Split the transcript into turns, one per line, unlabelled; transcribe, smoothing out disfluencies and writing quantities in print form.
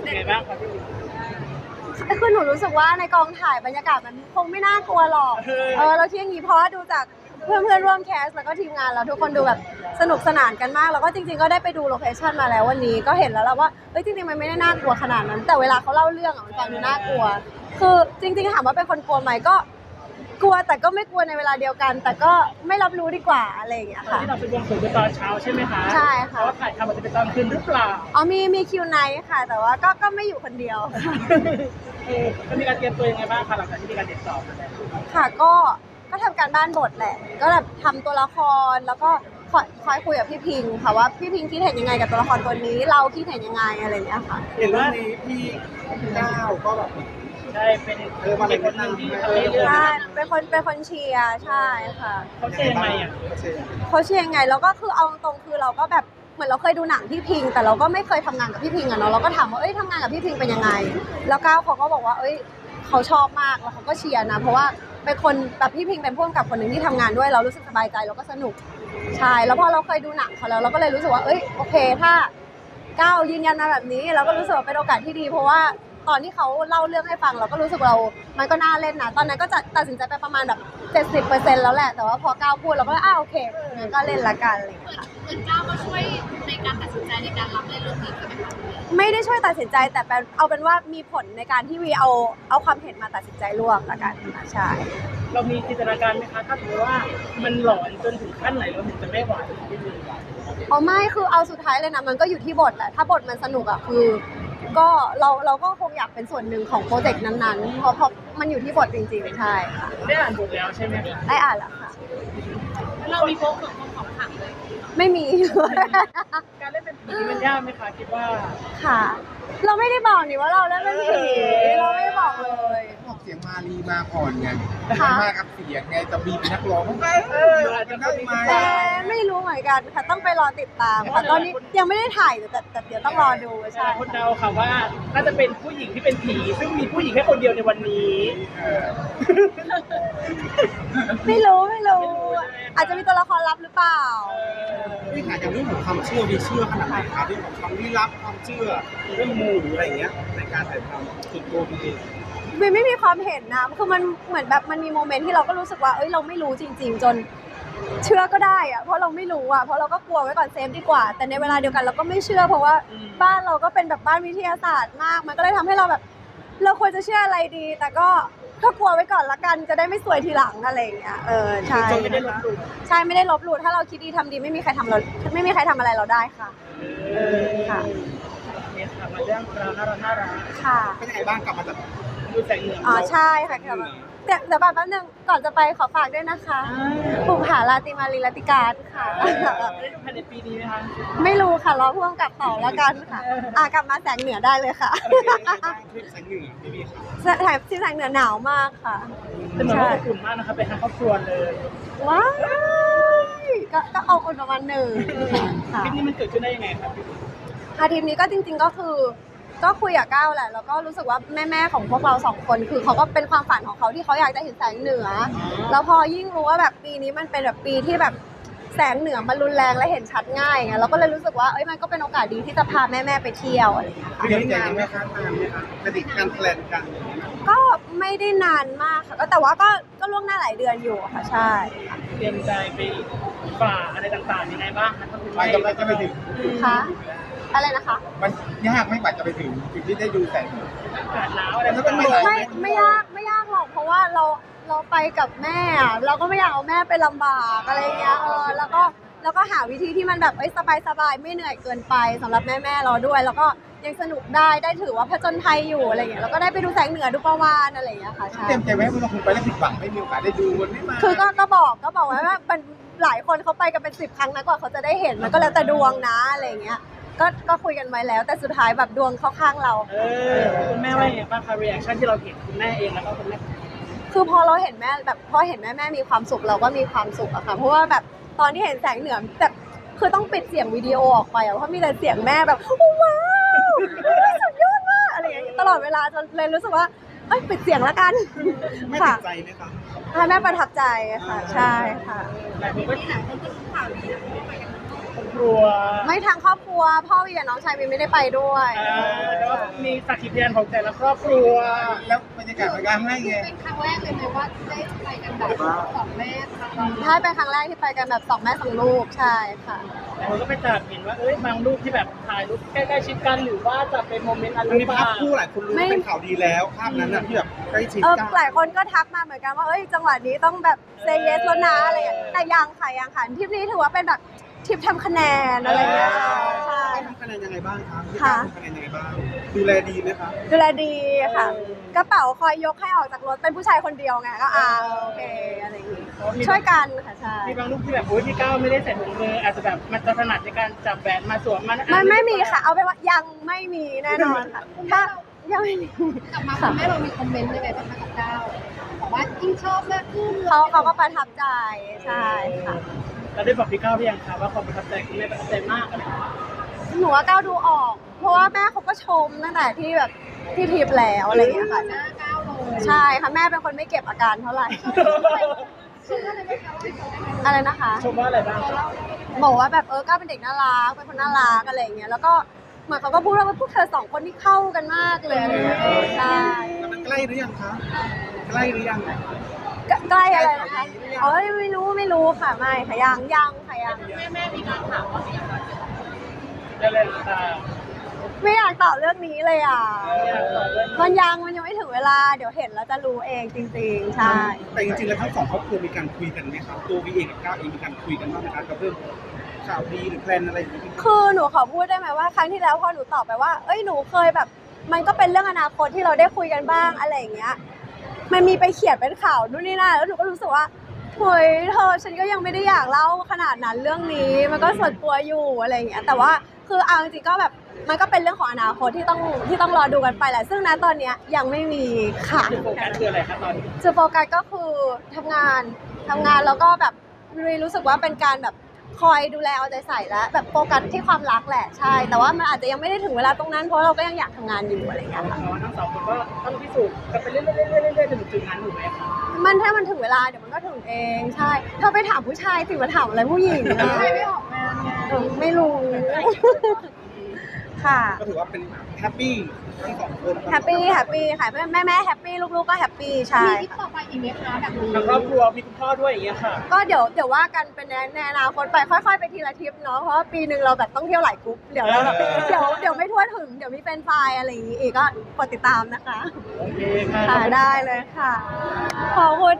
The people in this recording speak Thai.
เป็นไงบ้างครับพี่
คือหนูรู้สึกว่าในกองถ่ายบรรยากาศมันคงไม่น่ากลัวหรอกเราที่อย่างนี้เพราะว่าดูจากเพื่อนร่วมแคสแล้วก็ทีมงานเราทุกคนดูแบบสนุกสนานกันมากแล้วก็จริงๆก็ได้ไปดูโลเคชั่นมาแล้ววันนี้ก็เห็นแล้วว่าเฮ้ยจริงๆมันไม่ได้น่ากลัวขนาดนั้นแต่เวลาเขาเล่าเรื่องมันฟังดูน่ากลัวคือจริงๆถามว่าเป็นคนกลัวไหมก็กลัวแต่ก็ไม่กลัวในเวลาเดียวกัน แต่ก็ไม่รับรู้ดีกว่าอะไรอย่างเงี้ยค่ะ
ที่เราไปบวงสรวงตอนเช้าใช่ไหมคะ
ใช่ค่ะ
เพราะว่าถ่ายทำมันจะเป็นตอนคืนหรือเปล่า
อ๋อมีคิวไนท์ค่ะแต่ว่าก็ไม่อยู่คนเดียว
จะมีการเตรียมตัวยังไงบ้างคะหลังจากที่มีการติดต่อมาแล้ว
ค่ะก็ทำการบ้านบทแหละก็แบบทำตัวละครแล้วก็คอยคุยกับพี่พิงค่ะว่าพี่พิงคิดเห็นยังไงกับตัวละครตัวนี้เราคิดเห็นยังไงอะไรอย่างเงี้ยค่ะ
เห็นว่านี้พี่ก้าวก็แบบ
ใช่เป็นคนหนึ่งที่ทำให้เรื่อง
ใช่เป็นคนเชียร์ใช่ค่ะ
เขาเชียร์ยังไงอ่ะ
เขาเชียร์ยังไงแล้วก็คือเอาตรงคือเราก็แบบเหมือนเราเคยดูหนังพี่พิงแต่เราก็ไม่เคยทำงานกับพี่พิงอะเนาะเราก็ถามว่าทำงานกับพี่พิงเป็นยังไงแล้วก้าวเขาก็บอกว่าเขาชอบมากแล้วเขาก็เชียร์นะเพราะว่าเป็นคนแบบพี่พิงเป็นผู้กำกับคนหนึ่งที่ทำงานด้วยเรารู้สึกสบายใจเราก็สนุกใช่แล้วพอเราเคยดูหนังเขาแล้วเราก็เลยรู้สึกว่าโอเคถ้าก้าวยืนยันมาแบบนี้เราก็รู้สึกว่าเป็นโอกาสที่ดีเพราะว่าตอนที่เขาเล่าเรื่องให้ฟังเราก็รู้สึกมันก็น่าเล่นนะตอนนั้นก็จะตัดสินใจไปประมาณแบบ70%แล้วแหละแต่ว่าพอก้าวพูดเราก็โอเคงั้นก็เล่นละกันอะไรอย่างเงี้ยค่ะ
เหมือนก้าวมาช่วยในการตัดสินใจในการรับเล่นเรื่องนี้ด้วยไหมคะ
ไม่ได้ช่วยตัดสินใจแต่เอาเป็นว่ามีผลในการที่วีเอาความเห็นมาตัดสินใจร่วมละกันใช่
เรามีจินตนาการไหมคะถ้าสมมติว่ามันหลอนจนถึงขั้นไหนเราถึงจะไม่ไหว
ไม่คือเอาสุดท้ายเลยนะมันก็อยู่ที่บทแหละถ้าบทมันสนุกอะคือก็เราก็คงอยากเป็นส่วนหนึ่งของโปรเจกต์นั้นๆเพราะมันอยู่ที่บทจริงๆใช่ค่ะ
ได้อ่านบทแล้วใช่ไหม
ได้อ่านแล้วค่ะ
เรามีโพสต์ของขังเลย
ไม่มี
การเล่นเป็นผีมันยากไหมคะคิดว่า
ค่ะเราไม่ได้บอกนี่ว่าเราเล่นเป็นผีเราไม่บอกเลย
บอกเสียงมาลีมาก่อนไงมากับเสียงไงจะมีเป็นนักร้อง
อาจจะได้ไหม
แต่ไม่รู้เหมือนกันค่ะต้องไปรอติดตามค่ะตอนนี้ยังไม่ได้ถ่ายแต่เดี๋ยวต้องรอดูใช่
คนเดาค่ะว่าน่าจะเป็นผู้หญิงที่เป็นผีซึ่งมีผู้หญิงแค่คนเดียวในวันนี้
ไม่รู้อาจจะมีตัวละครลับหรือเปล่า
พี่ถามอย่างเรื่องของความเชื่อมีเชื่อขนาดไหนคะเรื่องของความลี้ลับความเชื่อเรื่องมูหรืออะไรอย่างเงี้ยในการถ่ายทำส่วนตัวพี่เอง
ไม่มีความเห็นนะคือมันเหมือนแบบมันมีโมเมนต์ที่เราก็รู้สึกว่าเราไม่รู้จริงๆจนเชื่อก็ได้อะเพราะเราไม่รู้อะเพราะเราก็กลัวไว้ก่อนเซฟดีกว่าแต่ในเวลาเดียวกันเราก็ไม่เชื่อเพราะว่าบ้านเราก็เป็นแบบบ้านวิทยาศาสตร์มากมันก็เลยทำให้เราแบบเราควรจะเชื่ออะไรดีแต่ก็กลัวไว้ก่อนละกันจะได้ไม่สวยทีหลังอะไรอย่างเงี้ยใช่
ไม่ได้ลบหลู่
ใช่ไม่ได้ลบหลู่ถ้าเราคิดดีทำดีไม่มีใครทำอะไรเราได้ค่ะค่ะ
เนี่ยค่ะมาเรื่องราวน่ารัก
ค่ะ
เป็นยังไงบ้างกลับมาจาก
ดูแสงเหนือ
ใช่ค่ะเดี๋ยวก่อนแป๊บนึงก่อนจะไปขอฝากด้วยนะคะภูผาราติมาลีลติการค่ะ
ได้ดูภายในปีนี้ไหมคะ
ไม่รู้ค่ะรอพ่วงกับต่อแล้วกันค่ะกลับมาแสงเหนือได้เลยค่ะ
ทริปแสงเหนือที่นี่
ค่ะถ่ายที่แสงเหนือหนาวมากค่ะ
เป็นเหมือนว่าอบอุ่นมากนะคะไปทางครอบครัวเลย
ว้าวก็เอาอุ่นประมาณหนึ่ง
ค่ะทริปนี้มันเกิดขึ้นได้ยังไงครับ
ค่ะทีมนี้ก็จริงๆก็คือก็คุยกับก้าวแหละแล้วก็รู้สึกว่าแม่ของพวกเรา2คนคือเขาก็เป็นความฝันของเขาที่เขาอยากจะเห็นแสงเหนือแล้วพอยิ่งรู้ว่าแบบปีนี้มันเป็นแบบปีที่แบบแสงเหนือมันรุนแรงและเห็นชัดง่ายไงเราก็เลยรู้สึกว่ามันก็เป็นโอกาสดีที่จะพาแม่ไปเที่ยวอะไรอย่างเงี้ย
เตรียมใจไหมคะนานไหมคะปฏิการแพลนกัน
ก็ไม่ได้นานมากค่ะก็แต่ว่าก็ล่วงหน้าหลายเดือนอยู่ค่ะใช่
เตรียมใจไปฝ่าอะไรต่างๆยังไงบ้างคะ
ไปกำลังจะไปถึง
ค่ะอะไรนะคะ
มันยากไม่กว่าจะไปถึงจุดที่ได้ดูแสง
อากาศหนาวอะไร
ไม่ยากหรอกเพราะว่าเราไปกับแม่เราก็ไม่อยากเอาแม่ไปลำบากอะไรเงี้ยแล้วก็หาวิธีที่มันแบบสบายไม่เหนื่อยเกินไปสำหรับแม่เราด้วยแล้วก็ยังสนุกได้ถือว่าผจญภัยอยู่อะไรเงี้ยแล้วก็ได้ไปดูแสงเหนือดูประวานอะไรเงี้ยค่ะใช่
เตรียมใจไว้ว่าคุณไปแล้วผิดหวังไม่มีโอกาสได้ดูมันไม่มา
คือก็บอกไว้ว่าหลายคนเขาไปกันเป็น10 ครั้งนะกว่าเขาจะได้เห็นมันก็แล้วแต่ดวงนะอะไรเงี้ยก็คุยกันไว้แล้วแต่สุดท้ายแบบดวงเข้าข้างเรา
คุณแม่ว่าอย่างไรบ้างคะรีแอคชั่นที่เราเห็นคุณแม่เองแล้วก็คุณแม่
คือพอเราเห็นแม่แบบพอเห็นแม่มีความสุขเราก็มีความสุขอะค่ะเพราะว่าแบบตอนที่เห็นแสงเหนือแบบคือต้องปิดเสียงวิดีโอออกไปเพราะมีแต่เสียงแม่แบบว้าวสุดยอดมากอะไรอย่างเงี้ยตลอดเวลาจนเลยรู้สึกว่าปิดเสียงแล้วกัน
ไม่ติดใจไหมคะ
แม่ประทับใจค่ะใช่ค่ะ
ครอบครัว
ไม่ทางครอบครัวพ่อวีกับน้องชายวีไม่ได้ไปด้วย
แล้วมีสักขีพยานของแต่ละครอบครัว
แล้วบรรยากาศในการให้ไง
เป็นครั้งแรกเลยไหมว่าได้ไปกันแบบสองแม่ครั้งแรก
ถ้าเป็นครั้งแรกที่ไปกันแบบสองแม่สองลูกใช่ค่ะ
แต่คนก็ไปจับเห็นว่าบางรูปที่แบบถ่ายรูปใกล้ๆชิดกันหรือว่าจะเป็นโมเมนต์อะไร
มันมี
บ้า
ภาพ
ง
คู่หลายคนรู้ว่าเป็นข่าวดีแล้วภาพนั้นน่ะที่แบบใกล้ชิดกัน
หลายคนก็ทักมาเหมือนกันว่าจังหวะนี้ต้องแบบเซเยสแล้วนะอะไรอย่างเงี้ยแต่ยังค่ะทริปนี้ถือว่าเป็นแบบทริปทำคะแนนอะไรอย่างเงี้ยใช่
ทำคะแนนยังไงบ้างครับ
ค่ะ
ทำคะแนนยังไงบ้างดูแลดีไหมคะ
ดูแลดีค่ะ กระเป๋าคอยยกให้ออกจากรถเป็นผู้ชายคนเดียวไงก็โอเคอะไรอย่างงี้ช่วยกันค่ะใช่
มีบางรูปที่แบบพี่ก้าวไม่ได้ใส่ถุงมืออาจจะแบบมันจะถนัดในการจับแหวนมาสวมมัน
ไม่มีค่ะ เอาเป็นว่ายังไม่มีแน่นอนค่ะ ถ้ายังไม่มี
กลับมาคุณแม่เรามีคอมเมนต์ยังไงบ้างคะกับก้าวบอกว่ายิ่งชอบมากขึ้น
เขาก็ประทับใจใช่ค่ะ
เราได้บอกพี่ก้าวหรือยังคะว่าความประทับใจคุณแม่ประทับใจมากอะไรอย่างเงี้ย
หนูว่าก้าวดูออก เพราะว่าแม่เขาก็ชมตั้งแต่ที่แบบที่ทริปแล้วอะไรอย่างเงี้ยค่ะ
หน้าก้าวเลย
ใช่ค่ะแม่เป็นคนไม่เก็บอาการเท่าไหร่
ชื่ออะไรไหมคะว่าเป็นอะไร
อะไรนะคะ
ชมว่าอะไรบ้างครับ
บอกว่าแบบก้าวเป็นเด็กน่ารักเป็นคนน่ารักอะไรอย่างเงี้ยแล้วก็เหมือนเขาก็พูดว่าพวกเธอสองคนนี่เข้ากันมากเลยอะไรอย่างเงี้ยใช่
แล้วมันใกล้หรือยังคะใกล้หรือยัง
ใกล้อะไรนะคะไม่รู้ค่ะไม่ค่ะยังค่ะยัง
แม่มีการถามว่า
ได้เลยค่ะ
ไม่อยากตอบเรื่องนี้เลยอ่ะ
อยากตอบเรื่องนี้
มันยังไม่ถึงเวลาเดี๋ยวเห็นแล้วจะรู้เองจริงๆใช่
แต่จริงๆแล้วทั้งสองครอบครัวมีการคุยกันไหมครับตัววีเองกับก้าวเองมีการคุยกันบ้างไหมครับกับเรื่องข่าวดีหรือแพลนอะไรอย่างเงี้ย
คือหนูขอพูดได้ไหมว่าครั้งที่แล้วพอหนูตอบไปว่าหนูเคยแบบ มันก็เป็นเรื่องอนาคตที่เราได้คุยกันบ้างอะไรอย่างเงี้ย มันมีไปเขียนเป็นข่าวนู่นนี่นั่นแล้วหนูก็รู้สึกว่าเฮ้ยเธอฉันก็ยังไม่ได้อยากเล่าขนาดนั้นเรื่องนี้มันก็ส่วนตัวอยู่อะไรอย่างเงี้ยแต่ว่าคือเอาจริงๆก็แบบมันก็เป็นเรื่องของอนาคตที่ต้องรอดูกันไปแหละซึ่งณตอนเนี้ยยังไม่มีค่ะ
จุดโฟกัสคืออะไรครับตอนนี้
จุดโฟกัสก็คือทำงานแล้วก็แบบรู้สึกว่าเป็นการแบบคอยดูแลเอาใจใส่แล้วแบบโฟกัสที่ความรักแหละใช่แต่ว่ามันอาจจะยังไม่ได้ถึงเวลาตรงนั้นเพราะเราก็ยังอยากทำงานอยู่อะไรอย่างเงี้ยค่ะ
ทั้งสองคนก็ต้องพิสูจน์กันไปเรื่อยๆจนถึงจุดนั้นถูกไหมคะ
ถ้ามันถึงเวลาเดี๋ยวมันก็ถึงเองใช่ถ้าไปถามผู้ชายสิมาถามอะไรผู้หญิงนะ
ใครไม่ออกงานไง
ไม่รู้ ค่ะ
ก็ถือว่าเป็นแฮปปี้ทั้งสองคน
แฮปปี้ค่ะแม่แฮปปี้ลูกๆก็แฮปปี้ใช่
มีทริปต่อไปอีกไหมคะแบบนี้
ทางครอบครัวมีคุณพ่อด้วยอย่างเงี้ยค่ะ
ก็เดี๋ยวว่ากันเป็นในอนาคตไปค่อยๆไปทีละทริปเนาะเพราะว่าปีหนึ่งเราแบบต้องเที่ยวหลายกรุ๊ปเดี๋ยวไม่ทั่วถึงเดี๋ยวมีเป็นไฟล์อะไรอย่างงี้อีกก็กดติดตามนะคะ
โอเคค่ะ
ค่ะได้เลยค่ะขอบคุณ